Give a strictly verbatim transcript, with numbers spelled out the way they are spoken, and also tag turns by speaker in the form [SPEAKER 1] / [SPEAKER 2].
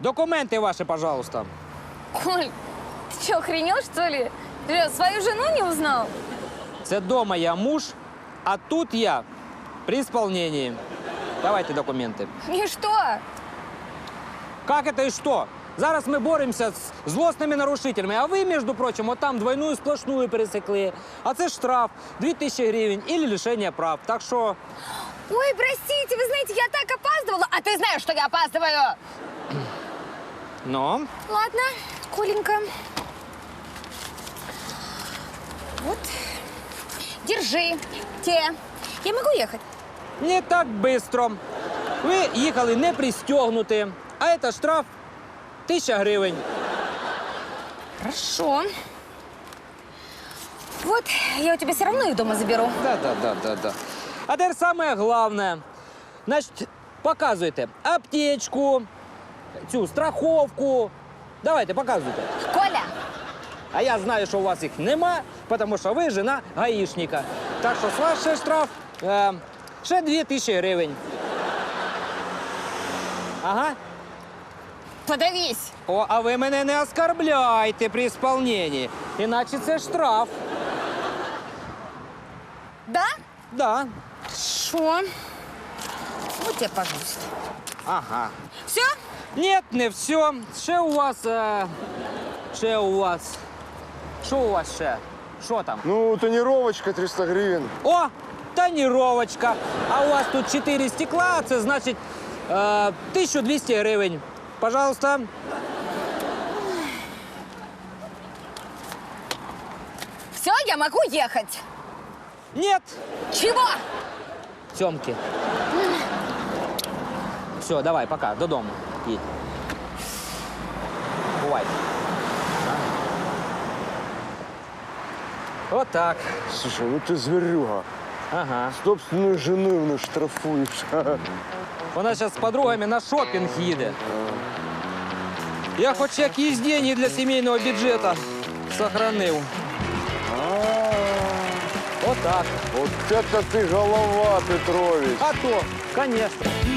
[SPEAKER 1] Документы ваши, пожалуйста.
[SPEAKER 2] Коль, ты что, охренел, что ли? Ты что, свою жену не узнал?
[SPEAKER 1] Це дома я муж, а тут я при исполнении. Давайте документы.
[SPEAKER 2] И что?
[SPEAKER 1] Как это и что? Зараз ми боремося з злосними нарушителями, а ви, між прочим, от там двойную сплошную пересекли. А це штраф дві тисячі гривень или лишення прав. Так що...
[SPEAKER 2] Ой, простите, вы знаете, я так опаздывала. А ты знаешь, что я опаздываю?
[SPEAKER 1] Ну?
[SPEAKER 2] Ладно, Коленька. Вот. Держи. Те. Я могу ехать?
[SPEAKER 1] Не так быстро. Ви їхали не пристегнуті, а це штраф тисяча гривень.
[SPEAKER 2] Хорошо. Вот, я у тебя все равно их дома заберу.
[SPEAKER 1] Да, да, да, да, да. А тепер саме головне. Значить, показуйте аптечку, цю страховку. Давайте, показуйте.
[SPEAKER 2] Коля,
[SPEAKER 1] А я знаю, що у вас їх нема, тому що ви жена гаїшника. Так що з вас ще штраф е, ще дві тисячі гривень. Ага.
[SPEAKER 2] подавись.
[SPEAKER 1] О, а ви мене не оскорбляйте при исполнении, іначе це штраф.
[SPEAKER 2] Да?
[SPEAKER 1] Да.
[SPEAKER 2] Шо? Вот тебе, пожалуйста.
[SPEAKER 1] Ага.
[SPEAKER 2] Все?
[SPEAKER 1] Нет, не все. Ще у вас, е, ще у вас. Що у вас ще? Що там?
[SPEAKER 3] Ну, тонировочка триста гривен.
[SPEAKER 1] О, тонировочка. А у вас тут чотири стекла, це значить е, тисяча двісті гривень. Пожалуйста.
[SPEAKER 2] Все, я могу ехать.
[SPEAKER 1] Нет.
[SPEAKER 2] Чего?
[SPEAKER 1] Сьомки. Все, давай, пока, додому. Їдь. Бувайте. Вот так.
[SPEAKER 3] Слушай, ну ты зверюга.
[SPEAKER 1] Ага.
[SPEAKER 3] Собственную жену именно штрафуешь.
[SPEAKER 1] Вона зараз з подругами на шопінг їде. Я хоч якісь деньги для сімейного бюджету сохранив. Вот так.
[SPEAKER 3] Вот это ты голова, Петрович.
[SPEAKER 1] А то, конечно.